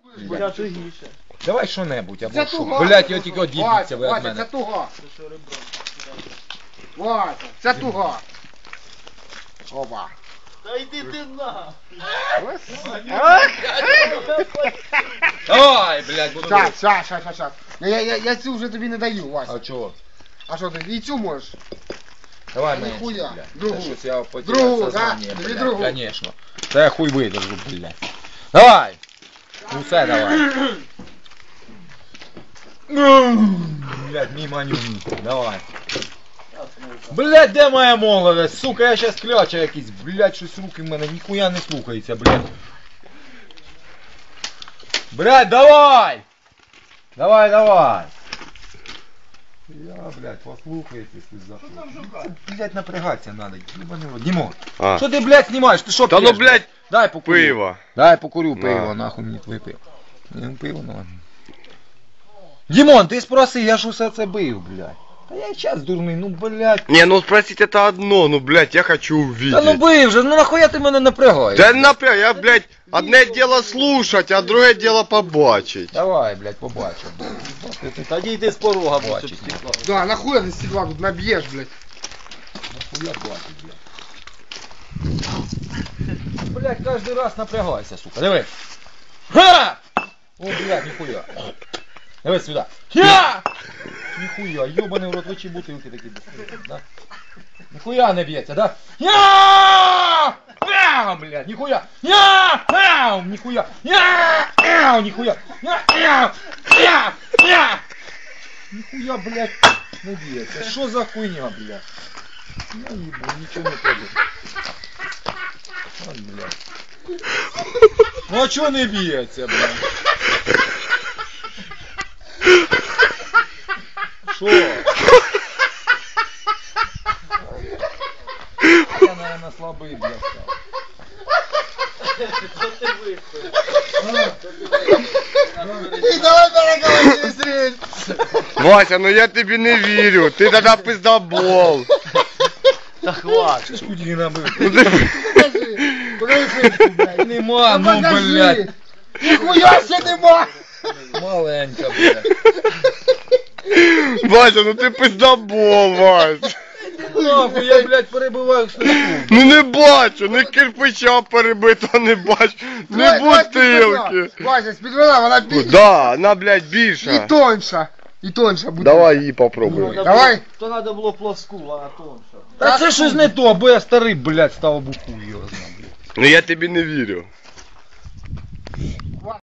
Я тугіше. Давай що-небудь, або Це що. туга. Блять, його тільки одіб'ється ви від Вася, це мене. туга. Це що ребро. Вася, це туга. Опа. Та йди ти на. Ой, блять, буду бити. Щас. Я цю вже тобі не даю, Вася. А чого? А що ти, і цю можеш? Давай Та менше, ніхуя. блядь. Другу. Це щось я потеряв Другу, сознання, да? Тобі блядь, другу. конечно. Та я хуй видержу, блядь. Давай! Ну все, давай. Блядь, мимо нюньки, давай. Блядь, де моя молодость? Сука, я щас кляча якийсь, блядь, щось руки в мене ніхуя не слухається, блядь. Блядь, давай! Давай! Я, блядь, послухай, если захочешь. Блядь, напрягаться надо, ебаный рот. Димон, А. что ты, блядь, снимаешь? Ты что Да пьешь, ну, блядь, дай покурю. пиво. Дай покурю На. пиво, нахуй мне твоє пиво. Не, пиво, ну ладно. Димон, ты спроси, я ж усе це бив, блядь. Та я сейчас дурний, ну, блядь. Не, ну спросить это одно, ну, блядь, я хочу увидеть. Та ну бив же, ну нахуя ти мене напрягаєш? Да напряг, я, блядь, одне дело слушать, а другое дело побачить. Давай, блядь, побачимо. Тоді йди з порога, бо Бачить, щоб стекла. Да, нахуя ты стекла тут набьешь, блядь. Нахуя бачить, блядь. Блядь, каждый раз напрягайся, сука. Диви. Ха! О, блядь, нихуя. Давай сюда. Я! Нихуя, ёбаный в рот, вы бутылки такие, да? Нихуя не бьете, да? Я! Мяу, блядь, нихуя! Я! Мяу, нихуя! Я! Мяу, нихуя! Я! Мяу! Я! Я! Нихуя, блядь, не бьете. Что за хуйня, блядь? Я ебу, ничего не пойду. Вот, блядь. Ну а чё не бьется, блядь? Шо? Я, наверное, слабый, блядь, стал. Що ти виходиш? И давай переговори через речь. Вася, ну я тебе не верю, ты тогда пиздобол. Та хватить. Что ж куди набыл? Ну ты... Покажи фишку, блядь. Нема, ну, Покажи. блядь. Нихуя себе нема. Маленько, блядь. Вася, ну ты пиздобол, Вася. Нахуй, я, блядь, перебиваю слуху. Ну не бачу, не кирпича перебито, не бачу, не бутилки. Вася, спидвела, вона більша. Да, она, блядь, І більша. тоньша. І тоньша буде. Давай її попробуй. Давай. То треба було плоску, а тонша. Та це щось не то, бо я старий, блядь, став буху його знав, блядь. Ну я тобі не вірю.